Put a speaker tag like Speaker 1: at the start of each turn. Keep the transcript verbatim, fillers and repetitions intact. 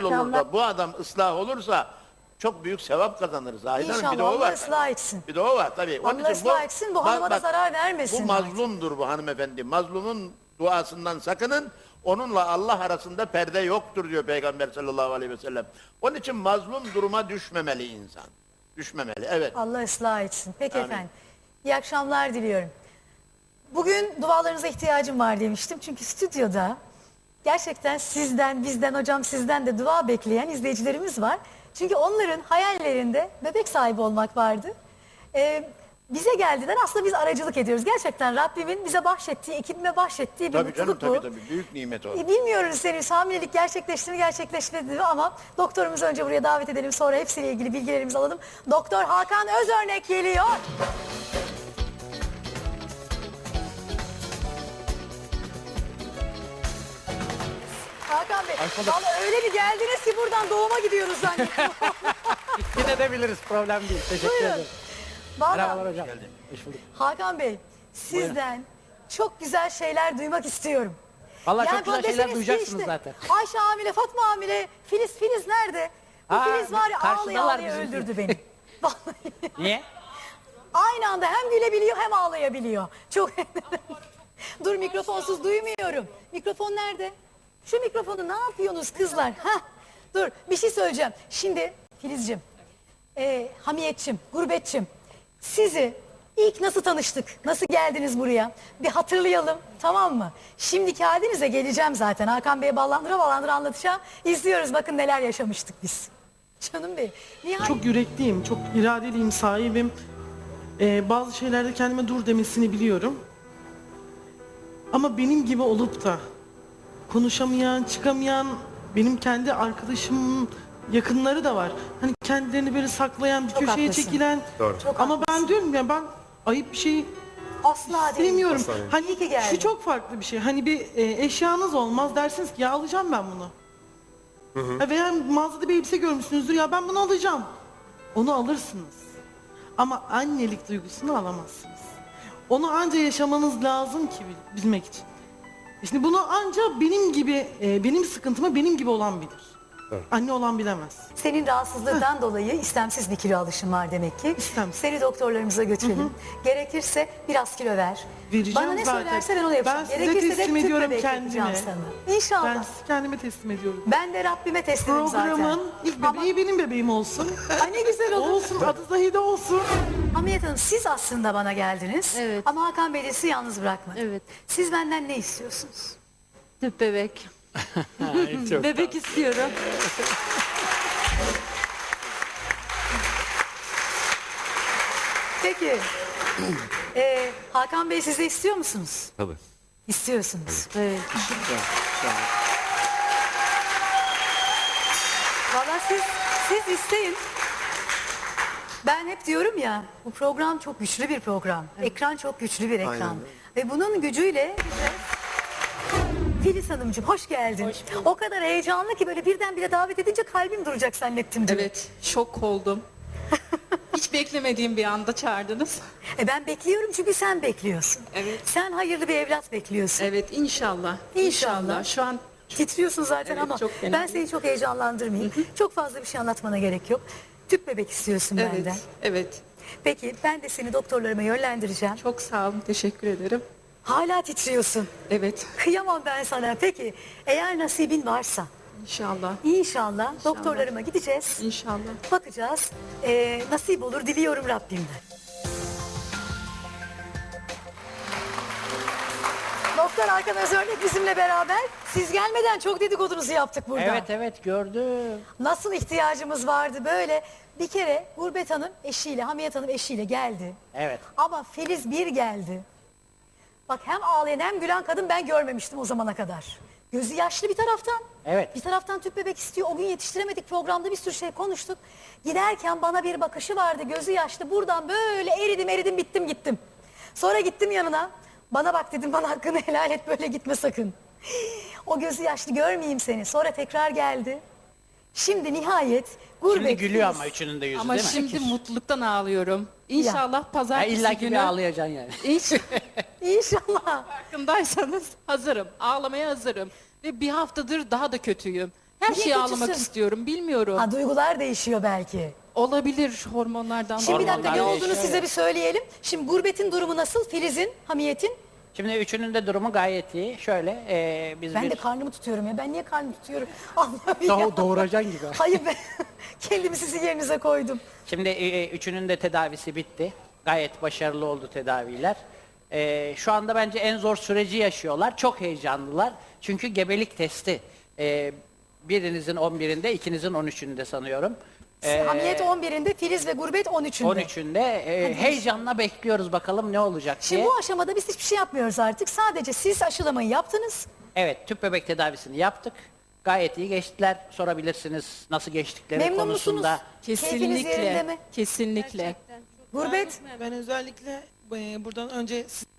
Speaker 1: olur da bu adam ıslah olursa çok büyük sevap kazanır Zahid Hanım. Bir de
Speaker 2: İnşallah
Speaker 1: o
Speaker 2: Allah
Speaker 1: var.
Speaker 2: ıslah etsin.
Speaker 1: Bir de o var tabii. Onun
Speaker 2: Allah
Speaker 1: için
Speaker 2: ıslah etsin, bu hanıma da zarar vermesin.
Speaker 1: Bu mazlumdur bu hanımefendi. Mazlumun duasından sakının. Onunla Allah arasında perde yoktur diyor Peygamber sallallahu aleyhi ve sellem. Onun için mazlum duruma düşmemeli insan. Düşmemeli, evet.
Speaker 2: Allah ıslah etsin. Peki
Speaker 1: Amin.
Speaker 2: efendim. İyi akşamlar diliyorum. Bugün dualarınıza ihtiyacım var demiştim. Çünkü stüdyoda gerçekten sizden, bizden, hocam sizden de dua bekleyen izleyicilerimiz var. Çünkü onların hayallerinde bebek sahibi olmak vardı. Ee, bize geldiler, aslında biz aracılık ediyoruz. Gerçekten Rabbimin bize bahşettiği, ekibime bahşettiği bir
Speaker 1: Tabii canım,
Speaker 2: mutluluk bu.
Speaker 1: tabii tabii. Büyük nimet o.
Speaker 2: E, bilmiyoruz henüz hamilelik gerçekleşti mi gerçekleşmedi mi ama doktorumuzu önce buraya davet edelim, sonra hepsiyle ilgili bilgilerimizi alalım. Doktor Hakan Özörnek geliyor. Hakan Bey, vallahi öyle bir geldiniz ki buradan doğuma gidiyoruz zannettim.
Speaker 3: Gidebiliriz, problem değil. Teşekkür
Speaker 2: Buyurun.
Speaker 3: ederim.
Speaker 2: Vallahi
Speaker 3: Merhabalar hocam. Hoş bulduk.
Speaker 2: Hakan Bey, sizden çok güzel şeyler duymak istiyorum.
Speaker 3: Vallahi
Speaker 2: Yani
Speaker 3: çok güzel
Speaker 2: bana
Speaker 3: şeyler
Speaker 2: deseniz ki
Speaker 3: duyacaksınız
Speaker 2: işte,
Speaker 3: zaten.
Speaker 2: Ayşe hamile, Fatma hamile, Filiz, Filiz nerede? Bu
Speaker 3: Aa,
Speaker 2: Filiz var ya ağlaya
Speaker 3: karşındalar
Speaker 2: ağlaya
Speaker 3: bizimki.
Speaker 2: öldürdü beni. Vallahi.
Speaker 3: Niye?
Speaker 2: Aynı anda hem gülebiliyor hem ağlayabiliyor. Çok Dur, mikrofonsuz duymuyorum. Mikrofon nerede? Şu mikrofonu ne yapıyorsunuz kızlar? Hah. Dur, bir şey söyleyeceğim. Şimdi Filizciğim, e, Hamiyetçim, Gurbetçim, sizi ilk nasıl tanıştık? Nasıl geldiniz buraya? Bir hatırlayalım, tamam mı? Şimdiki halinize geleceğim zaten. Hakan Bey'e ballandıra ballandıra anlatacağım. İzliyoruz, bakın neler yaşamıştık biz. Canım benim. Nihayet...
Speaker 4: Çok yürekliyim, çok iradeliyim, sahibim. Ee, bazı şeylerde kendime dur demesini biliyorum. Ama benim gibi olup da konuşamayan, çıkamayan, benim kendi arkadaşımın yakınları da var. Hani kendilerini böyle saklayan, bir
Speaker 2: Çok
Speaker 4: köşeye
Speaker 2: haklısın.
Speaker 4: çekilen.
Speaker 1: Doğru.
Speaker 2: Çok
Speaker 4: Ama
Speaker 2: haklısın.
Speaker 4: ben diyorum ya, ben ayıp bir şey
Speaker 2: Asla değil.
Speaker 4: sevmiyorum. Hani
Speaker 2: İyi ki geldin.
Speaker 4: şu çok farklı bir şey. Hani bir e, eşyanız olmaz, dersiniz ki ya alacağım ben bunu. Ha, veya mağazada bir elbise görmüşsünüzdür, ya ben bunu alacağım. Onu alırsınız. Ama annelik duygusunu alamazsınız. Onu anca yaşamanız lazım ki bil- bilmek için. Şimdi bunu anca benim gibi, e, benim sıkıntımı benim gibi olan bilir.
Speaker 1: Evet.
Speaker 4: Anne olan bilemez.
Speaker 2: Senin rahatsızlıktan dolayı istemsiz bir kilo alışın var demek ki.
Speaker 4: İstemsiz.
Speaker 2: Seni doktorlarımıza götürelim. Gerekirse biraz kilo ver.
Speaker 4: Vereceğim
Speaker 2: Bana ne
Speaker 4: zaten.
Speaker 2: söylerse ben onu yapacağım.
Speaker 4: Ben size
Speaker 2: Gerekirse de
Speaker 4: teslim
Speaker 2: tüp
Speaker 4: ediyorum
Speaker 2: bebek
Speaker 4: kendimi.
Speaker 2: yapacağım sana. İnşallah.
Speaker 4: Ben
Speaker 2: Ben,
Speaker 4: sizi kendime teslim ediyorum.
Speaker 2: de Rabbime teslimim zaten.
Speaker 4: Programın ilk
Speaker 2: Ama-
Speaker 4: bebeği benim bebeğim olsun.
Speaker 2: Ay ne güzel olur.
Speaker 4: Olsun, adı Zahide olsun.
Speaker 2: Hamiyet Hanım, siz aslında bana geldiniz.
Speaker 5: Evet.
Speaker 2: Ama Hakan Bey de sizi yalnız bırakmadı.
Speaker 5: Evet.
Speaker 2: Siz benden ne istiyorsunuz?
Speaker 5: Tüp bebek.
Speaker 3: Çok
Speaker 5: Bebek istiyorum.
Speaker 2: Peki. Ee, Hakan Bey, siz de istiyor musunuz?
Speaker 1: Tabii.
Speaker 2: İstiyorsunuz.
Speaker 5: Evet.
Speaker 2: Valla siz, siz isteyin. Ben hep diyorum ya, bu program çok güçlü bir program. Ekran çok güçlü bir ekran.
Speaker 1: Aynen.
Speaker 2: Ve bunun gücüyle bize... Filiz Hanımcığım hoş geldin. O kadar heyecanlı ki böyle birdenbire davet edince kalbim duracak zannettim. dün.
Speaker 6: Evet, şok oldum. Hiç beklemediğim bir anda çağırdınız.
Speaker 2: E ben bekliyorum çünkü sen bekliyorsun.
Speaker 6: Evet.
Speaker 2: Sen hayırlı bir evlat bekliyorsun.
Speaker 6: Evet, inşallah.
Speaker 2: İnşallah.
Speaker 6: Şu an
Speaker 2: Titriyorsun zaten
Speaker 6: Evet,
Speaker 2: ama
Speaker 6: çok fena.
Speaker 2: ben seni çok heyecanlandırmayayım. Çok fazla bir şey anlatmana gerek yok. Tüp bebek istiyorsun
Speaker 6: evet,
Speaker 2: benden.
Speaker 6: evet.
Speaker 2: Peki ben de seni doktorlarıma yönlendireceğim.
Speaker 6: Çok sağ olun, teşekkür ederim.
Speaker 2: Hala titriyorsun.
Speaker 6: Evet,
Speaker 2: Kıyamam ben sana. Peki eğer nasibin varsa
Speaker 6: inşallah.
Speaker 2: inşallah, doktorlarıma gideceğiz.
Speaker 6: İnşallah.
Speaker 2: Bakacağız. Ee, nasip olur diliyorum Rabbimden. Doktor Hakan Özörnek bizimle beraber. Siz gelmeden çok dedikodunuzu yaptık burada.
Speaker 3: Evet evet gördüm.
Speaker 2: Nasıl ihtiyacımız vardı böyle. Bir kere Gurbet Hanım eşiyle, Hamiyet Hanım eşiyle geldi.
Speaker 3: Evet.
Speaker 2: Ama Filiz bir geldi. Bak hem ağlayan hem gülen kadın ben görmemiştim o zamana kadar. Gözü yaşlı bir taraftan.
Speaker 3: Evet.
Speaker 2: Bir taraftan tüp bebek istiyor. O gün yetiştiremedik, programda bir sürü şey konuştuk. Giderken bana bir bakışı vardı, gözü yaşlı. Buradan böyle eridim eridim bittim gittim. Sonra gittim yanına. Bana bak dedim, bana hakkını helal et, böyle gitme sakın. O gözü yaşlı görmeyeyim seni. Sonra tekrar geldi. Şimdi nihayet Gurbet
Speaker 3: Şimdi gülüyor
Speaker 2: Filiz.
Speaker 3: ama üçünün de yüzü
Speaker 6: Ama
Speaker 3: değil mi?
Speaker 6: şimdi mutluluktan ağlıyorum. İnşallah
Speaker 3: Ya
Speaker 6: pazartesi
Speaker 3: illa ki
Speaker 6: günü...
Speaker 3: bir ağlayacaksın yani.
Speaker 6: İnş-
Speaker 2: İnşallah.
Speaker 6: Farkındaysanız hazırım. Ağlamaya hazırım. Ve bir haftadır daha da kötüyüm. Her
Speaker 2: Niye
Speaker 6: şeyi ağlamak
Speaker 2: kötüsün?
Speaker 6: istiyorum. Bilmiyorum.
Speaker 2: Ha, duygular değişiyor belki.
Speaker 6: Olabilir hormonlardan.
Speaker 2: Şimdi bir dakika
Speaker 3: Hormonlar
Speaker 2: ne olduğunu
Speaker 3: değişiyor
Speaker 2: size
Speaker 3: ya.
Speaker 2: bir söyleyelim. Şimdi Gurbet'in durumu nasıl? Filiz'in, Hamiyet'in?
Speaker 3: Şimdi üçünün de durumu gayet iyi. Şöyle e, biz
Speaker 2: Ben
Speaker 3: bir...
Speaker 2: de karnımı tutuyorum ya. Ben niye karnımı tutuyorum? Allah'ım ya.
Speaker 3: Doğ- doğuracaksın gibi.
Speaker 2: Hayır ben kendimi sizin yerinize koydum.
Speaker 3: Şimdi e, üçünün de tedavisi bitti. Gayet başarılı oldu tedaviler. E, şu anda bence en zor süreci yaşıyorlar. Çok heyecanlılar. Çünkü gebelik testi. E, birinizin on birinde, ikinizin on üçünde sanıyorum. E,
Speaker 2: Hamiyet on birinde, Filiz ve Gurbet on üçünde.
Speaker 3: on üçünde. E, heyecanla bekliyoruz bakalım ne olacak
Speaker 2: Şimdi
Speaker 3: diye.
Speaker 2: bu aşamada biz hiçbir şey yapmıyoruz artık. Sadece siz aşılamayı yaptınız.
Speaker 3: Evet, tüp bebek tedavisini yaptık. Gayet iyi geçtiler. Sorabilirsiniz nasıl geçtikleri
Speaker 2: Memnun
Speaker 3: konusunda.
Speaker 2: musunuz? Keyfiniz yerinde
Speaker 6: Kesinlikle.
Speaker 2: mi?
Speaker 6: Kesinlikle.
Speaker 2: Gurbet?
Speaker 4: Ben özellikle e, buradan önce